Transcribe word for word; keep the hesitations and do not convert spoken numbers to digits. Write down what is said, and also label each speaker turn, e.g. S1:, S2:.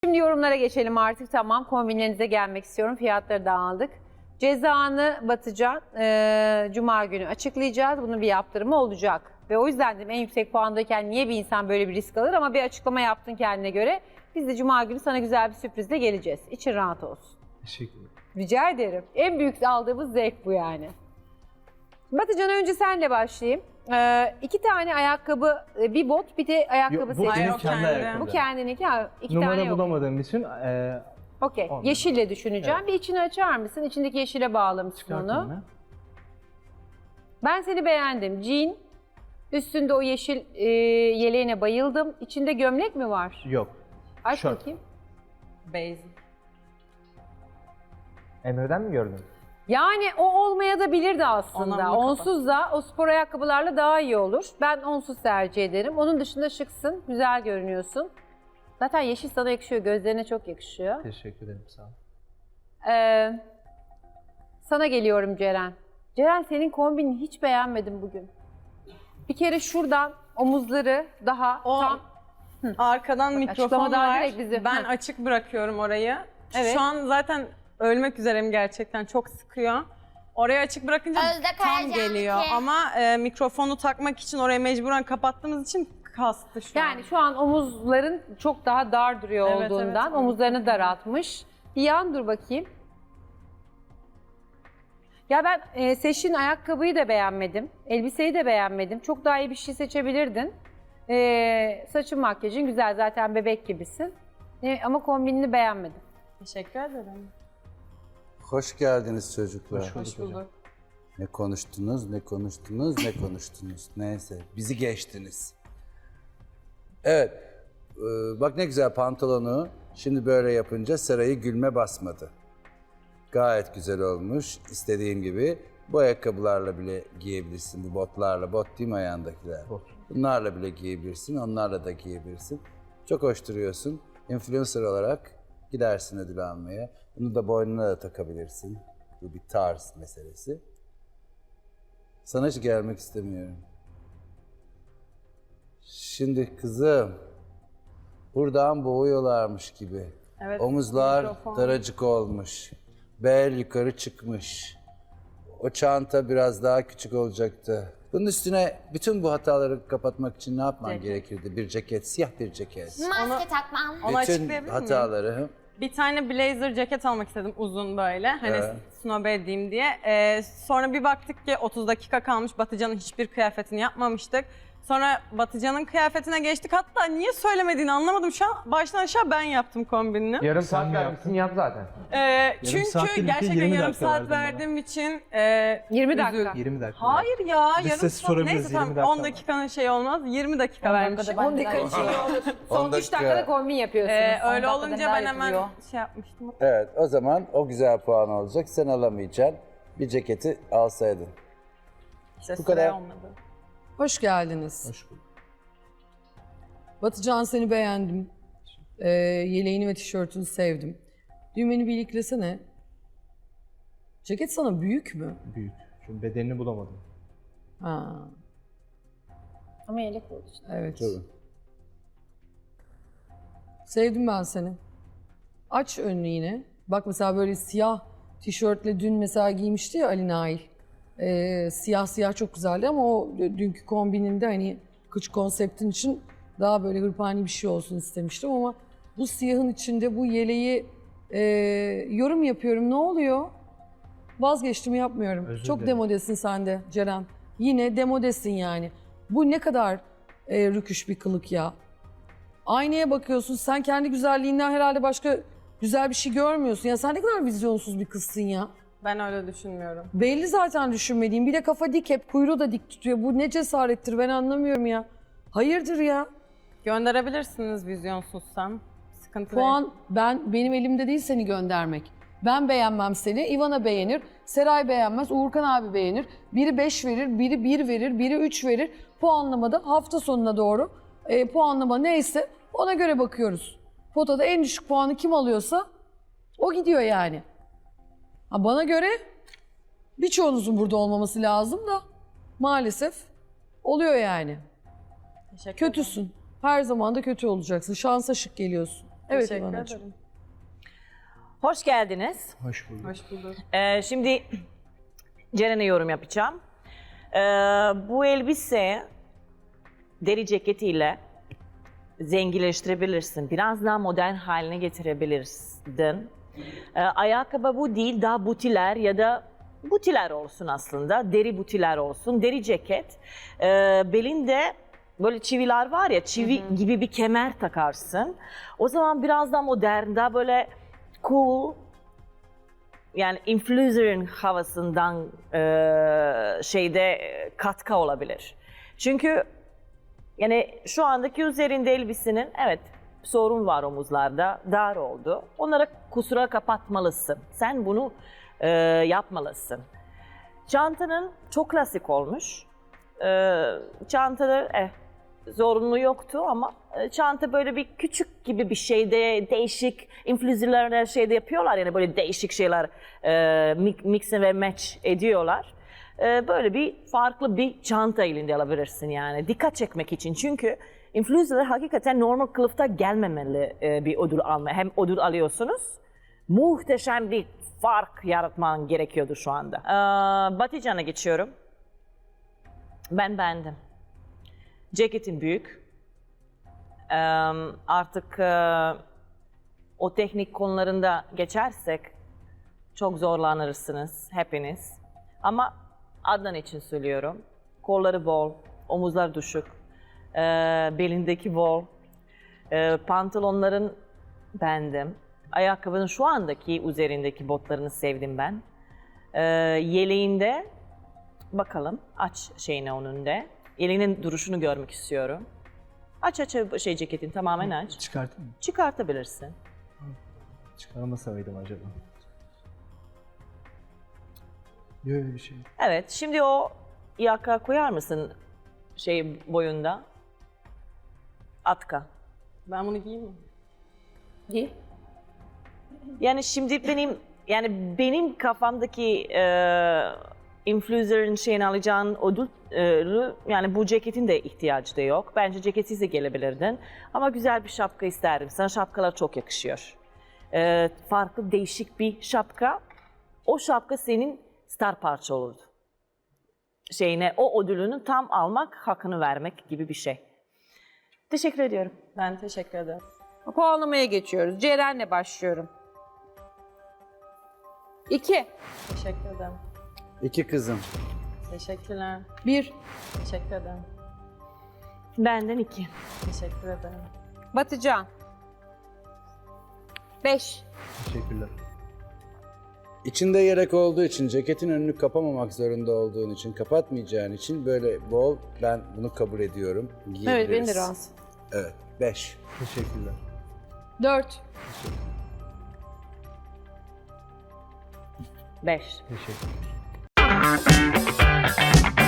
S1: Şimdi yorumlara geçelim artık. Tamam, kombinlerinize gelmek istiyorum. Fiyatları da aldık. Cezanı Batıcan e, Cuma günü açıklayacağız. Bunun bir yaptırımı olacak. Ve o yüzden dedim en yüksek puandayken niye bir insan böyle bir risk alır, ama bir açıklama yaptın kendine göre. Biz de Cuma günü sana güzel bir sürprizle geleceğiz. İçin rahat olsun.
S2: Teşekkür ederim.
S1: Rica ederim. En büyük aldığımız zevk bu yani. Batıcan, önce senle başlayayım. Ee, iki tane ayakkabı, bir bot, bir de ayakkabı
S2: Yok, bu
S1: seçtim.
S2: benim
S3: Hayır, o
S2: kendi
S3: kendi.
S2: ayakkabım.
S1: Bu kendininki, ha, iki
S2: Numara
S1: tane yok.
S2: bulamadığım için e,
S1: Okey.
S2: Olmadı.
S1: Yeşille düşüneceğim.
S2: Evet.
S1: Bir içini açar mısın? İçindeki yeşile bağlamışsın
S2: çıkartayım
S1: onu.
S2: ben.
S1: Ben seni beğendim. Jean. Üstünde o yeşil e, yeleğine bayıldım. İçinde gömlek mi var?
S2: Yok.
S1: Aç
S2: Şort.
S1: bakayım.
S3: Basic.
S2: Emre'den mi gördün?
S1: Yani o olmaya da bilirdi aslında.
S3: Ondan mı
S1: Onsuz da o spor ayakkabılarla daha iyi olur. Ben onsuz tercih ederim. Onun dışında şıksın. Güzel görünüyorsun. Zaten yeşil sana yakışıyor. Gözlerine çok yakışıyor.
S2: Teşekkür ederim, sağ ol.
S1: Ee, sana geliyorum Ceren. Ceren, senin kombini hiç beğenmedim bugün. Bir kere şuradan omuzları daha
S3: O
S1: tam...
S3: arkadan mikrofon
S1: açıklamadan
S3: var.
S1: direkt bizi-
S3: Ben
S1: Hı.
S3: açık bırakıyorum orayı.
S1: Evet.
S3: Şu an zaten ölmek üzereyim gerçekten. Çok sıkıyor. Orayı açık bırakınca
S4: Özde
S3: tam
S4: Karacan
S3: geliyor.
S4: iki.
S3: Ama e, mikrofonu takmak için orayı mecburen kapattığımız için kastı şu an.
S1: Yani şu an omuzların çok daha dar duruyor
S3: Evet,
S1: olduğundan
S3: evet.
S1: omuzlarını daraltmış. Bir yan dur bakayım. Ya ben e, seçtiğin ayakkabıyı da beğenmedim. Elbiseyi de beğenmedim. Çok daha iyi bir şey seçebilirdin. E, saçın, makyajın güzel, zaten bebek gibisin. E, ama kombinini beğenmedim.
S3: Teşekkür ederim.
S5: Hoş geldiniz çocuklar.
S2: Hoş bulduk.
S3: Hoş bulduk.
S5: Ne konuştunuz, ne konuştunuz, ne konuştunuz. Neyse, bizi geçtiniz. Evet, e, bak ne güzel pantolonu. Şimdi böyle yapınca sarayı gülme basmadı. Gayet güzel olmuş, istediğim gibi. Bu ayakkabılarla bile giyebilirsin, bu botlarla. Bot değil mi ayağındakiler?
S2: Bot.
S5: Bunlarla bile giyebilirsin, onlarla da giyebilirsin. Çok hoş duruyorsun. Influencer olarak gidersin ödül almaya. Bunu da boynuna da takabilirsin. Bu bir tarz meselesi. Sana hiç gelmek istemiyorum. Şimdi kızım, buradan boğuyorlarmış gibi.
S3: Evet,
S5: Omuzlar
S3: mikrofon.
S5: daracık olmuş. Bel yukarı çıkmış. O çanta biraz daha küçük olacaktı. Bunun üstüne bütün bu hataları kapatmak için ne yapman
S3: Ceket.
S5: gerekirdi? Bir ceket, siyah bir ceket.
S4: Maske takmam.
S3: Onu
S5: Bütün
S3: açıklayabilir miyim?
S5: hataları.
S3: Bir tane blazer ceket almak istedim uzun böyle. Hani
S5: Evet.
S3: snobe edeyim diye. Ee, sonra bir baktık ki otuz dakika kalmış. Batıcan'ın hiçbir kıyafetini yapmamıştık. Sonra Batıcan'ın kıyafetine geçtik. Hatta niye söylemediğini anlamadım. Şu an baştan aşağı ben yaptım kombinini.
S6: Yarım
S2: Sen
S6: saat
S2: mi
S6: vermişsin, yap zaten.
S3: Ee, çünkü
S2: saat değil,
S3: gerçekten
S2: yirmi
S3: yarım
S2: dakika
S3: saat
S2: verdin bana.
S3: verdiğim için e,
S1: yirmi dakika.
S3: üzül-
S2: yirmi dakika.
S3: Hayır ya,
S2: Biz
S3: yarım
S2: size
S3: saat.
S2: sorabiliriz,
S3: Neyse tamam,
S2: yirmi dakika
S3: on
S2: var.
S3: dakikanın şey olmaz. yirmi dakika vermişim.
S1: on dakika için iyi olur. Son
S5: On
S1: üç
S5: dakika.
S1: dakikada kombin yapıyorsunuz.
S3: Ee,
S1: on
S3: öyle
S1: dakikada
S3: olunca
S1: neler
S3: ben hemen
S1: yapılıyor?
S3: şey yapmıştım.
S5: Evet, o zaman o güzel puan olacak. Sen alamayacaksın. Bir ceketi alsaydın.
S3: İşte
S5: Bu
S3: süre
S5: kadar.
S3: olmadı.
S7: Hoş geldiniz.
S2: Hoş bulduk.
S7: Batıcan, seni beğendim. Ee, yeleğini ve tişörtünü sevdim. Düğmeni bir iliklesene. Ceket sana büyük mü?
S2: Büyük. Çünkü bedenini bulamadım.
S7: Ha,
S1: Ama yelek oldu işte.
S7: evet.
S5: Tabii.
S7: Sevdim ben seni. Aç önünü yine. Bak mesela böyle siyah tişörtle dün mesela giymişti ya Ali Nail. Ee, siyah siyah çok güzeldi ama o dünkü kombininde hani kıç konseptin için daha böyle hırpani bir şey olsun istemiştim ama bu siyahın içinde bu yeleği e, yorum yapıyorum. Ne oluyor? Vazgeçtim, yapmıyorum.
S2: Özür
S7: Çok
S2: dilerim.
S7: demodesin sen de Ceren. Yine demodesin yani. Bu ne kadar e, rüküş bir kılık ya. Aynaya bakıyorsun, sen kendi güzelliğinden herhalde başka güzel bir şey görmüyorsun. Ya sen ne kadar vizyonsuz bir kızsın ya.
S3: Ben öyle düşünmüyorum.
S7: Belli zaten düşünmediğim. Bir de kafa dik, hep kuyruğu da dik tutuyor. Bu ne cesarettir, ben anlamıyorum ya. Hayırdır ya?
S3: Gönderebilirsiniz vizyonsuzsam. Sıkıntı değil.
S7: Puan ben benim elimde değil seni göndermek. Ben beğenmem seni, Ivana beğenir, Seray beğenmez, Uğurkan abi beğenir. Biri beş verir, biri bir verir, biri üç verir. Puanlamada hafta sonuna doğru e, puanlama neyse ona göre bakıyoruz. Potada en düşük puanı kim alıyorsa o gidiyor yani. Ha, bana göre birçoğunuzun burada olmaması lazım da maalesef oluyor yani.
S3: Teşekkür ederim.
S7: Kötüsün. Her zaman da kötü olacaksın. Şansa şık geliyorsun. Evet
S3: Teşekkür
S7: İvanacığım.
S3: ederim.
S4: Hoş geldiniz.
S2: Hoş bulduk.
S3: Hoş bulduk.
S4: Ee, şimdi Ceren'e yorum yapacağım. Ee, bu elbise deri ceketiyle zenginleştirebilirsin. Biraz daha modern haline getirebilirsin. Ee, ayakkabı bu değil, daha butiler ya da butiler olsun aslında. Deri butiler olsun. Deri ceket. Ee, belinde böyle çiviler var ya, çivi gibi bir kemer takarsın. O zaman biraz daha modern, daha böyle cool, yani influencer'ın havasından e, şeyde e, katkı olabilir. Çünkü yani şu andaki üzerinde elbisenin evet sorun var omuzlarda, dar oldu. Onlara kusura kapatmalısın. Sen bunu e, yapmalısın. Çantanın çok klasik olmuş. E, çantada eh, zorunlu yoktu ama e, çanta böyle bir küçük gibi bir şeyde değişik influencerlar şeyde yapıyorlar yani böyle değişik şeyler e, mix ve match ediyorlar. E, böyle bir farklı bir çanta elinde alabilirsin yani dikkat çekmek için çünkü influencerlar hakikaten normal kılıfta gelmemeli e, bir ödül alma. Hem ödül alıyorsunuz muhteşem bir fark yaratman gerekiyordu şu anda. E, Batıcan'a geçiyorum. Ben beğendim. Ceketin büyük. Ee, artık e, o teknik konularında geçersek çok zorlanırsınız hepiniz. Ama Adnan için söylüyorum. Kolları bol, omuzlar düşük, e, belindeki bol, e, pantolonların beğendim. Ayakkabının şu andaki üzerindeki botlarını sevdim ben. E, yeleğinde bakalım aç şeyine onun da. Elinin duruşunu görmek istiyorum. Aç aç şey ceketin tamamen aç.
S2: Çıkartayım mı?
S4: Çıkartabilirsin.
S2: Çıkarmasa mıydım acaba? Yok öyle bir şey.
S4: Evet, şimdi o yaka koyar mısın şey boyunda? Atka.
S3: Ben bunu giyeyim mi?
S1: Giy.
S4: Yani şimdi benim yani benim kafamdaki e, influencer'ın şeyini alacağın ödül e, yani bu ceketin de ihtiyacı da yok. Bence ceketsiz de gelebilirdin. Ama güzel bir şapka isterim. Sana şapkalar çok yakışıyor. E, farklı değişik bir şapka. O şapka senin star parça olurdu. Şeyine o ödülünü tam almak, hakkını vermek gibi bir şey. Teşekkür ediyorum.
S3: Ben teşekkür ederim.
S1: Puanlamaya geçiyoruz. Ceren'le başlıyorum. İki.
S3: Teşekkür ederim.
S5: İki kızım.
S3: Teşekkürler.
S7: Bir.
S3: Teşekkür ederim.
S4: Benden iki.
S3: Teşekkür ederim.
S1: Batıcan. Beş.
S2: Teşekkürler.
S5: İçinde yelek olduğu için, ceketin önünü kapamamak zorunda olduğun için, kapatmayacağın için böyle bol, ben bunu kabul ediyorum.
S1: Evet
S5: Giyebiliriz.
S1: beni de rahatsız.
S5: Evet, beş.
S2: Teşekkürler.
S7: Dört.
S4: Beş.
S2: Teşekkürler.